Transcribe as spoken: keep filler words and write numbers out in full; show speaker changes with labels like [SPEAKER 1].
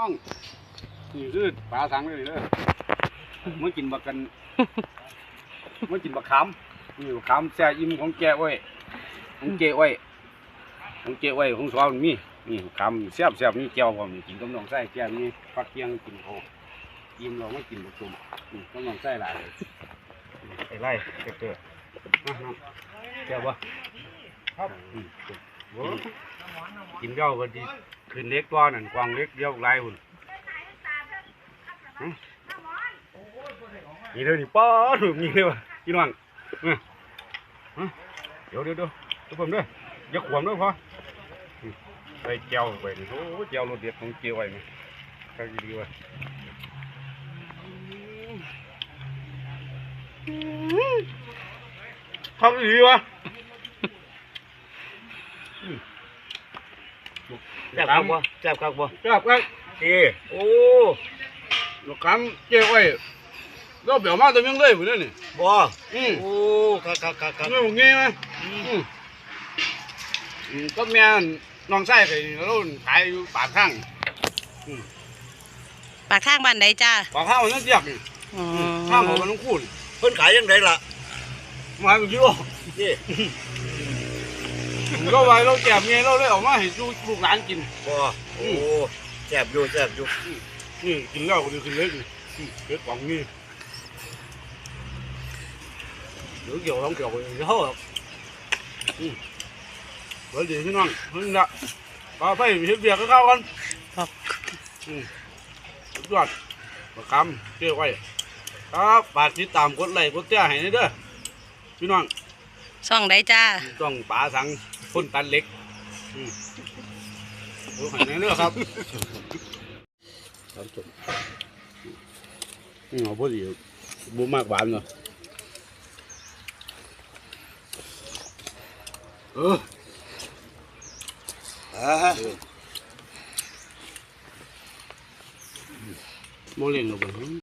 [SPEAKER 1] น้องนี่คือปลาสังเลยเด้อเมื่อกินบักกันเมื่อกินบักขามนี่บักขามแซ่อิ่มของแกไว้ของเกไว้ของเกไว้ของสาวมีนี่บักขามแซ่บแซ่บนี่แก้วผมกินกับน้องไส้แก้วนี่ฟักเกียงกินเขาอิ่มเราไม่กินบักตุ่มนี่กับน้องไส้หลายไอ้ไล่เกิดเกิดแก้วบ่ครับกินเจ้าก็ดีขึ้นเล็กตัวนั่นกวางเล็กเดียวลายหุ่นนี่เลยนี่ป้าถูกนี่เลยวะพี่น้องเดี๋ยวเดี๋ยวเดี๋ยวทุกคนด้วยอย่าขวมด้วยพอไปเจียวไปโอ้เจียวรสเด็ดของเจียวไว้ไหมก็ดีวะทำดีวะ
[SPEAKER 2] แซ่บครับบ่แซ่บครับบ่
[SPEAKER 1] แซ่บครับ
[SPEAKER 2] เอ้โอ้
[SPEAKER 1] ลูกค้าเจียวไว้เราเบี่ยวมาตัวยังเลยหมดเลยนี่
[SPEAKER 2] บ่
[SPEAKER 1] อืม
[SPEAKER 2] โอ้ครับครับครับครับ
[SPEAKER 1] นี่มึงงี้ไหมอืมก็แม่น้องไส้ไปเราขายอยู่ปากข้าง
[SPEAKER 3] ปากข้างบ้านใดจ้า
[SPEAKER 1] ปากข้างมันนั่นเจียกข้างของมันต้องคูณ
[SPEAKER 2] เพิ่นขายยังไงล่ะ
[SPEAKER 1] มาเป็นกิโล
[SPEAKER 2] นี่
[SPEAKER 1] ก็ไว้เราแจกเงี้ยเราเลยออกมาให้ลูกหลานกิน
[SPEAKER 2] บ่โอ้แซ่บอยู่แซ่บอยู่
[SPEAKER 1] นี่กินแล้วก็ดีขึ้นเลยเกิดของนี่เดี๋ยวเกี่ยวต้องเกี่ยวไปเท่าแบบเดี๋ยวดีพี่น้องเพิ่งละปลาไฟเห็ดเบียร์ก็เข้ากันสุดยอดประคำเกี่ยวไว้ครับฝากติดตามกดไลค์กดแชร์ให้เด้อพี่น้อง
[SPEAKER 3] ช่องใดจ้า
[SPEAKER 1] ต้องปลาสังพ่นตันเล็กดูให้ในเรื่องครับครับจบนี่เอาพอดีบุมากหวานเนาะเอออ่าโมเล่นหรอก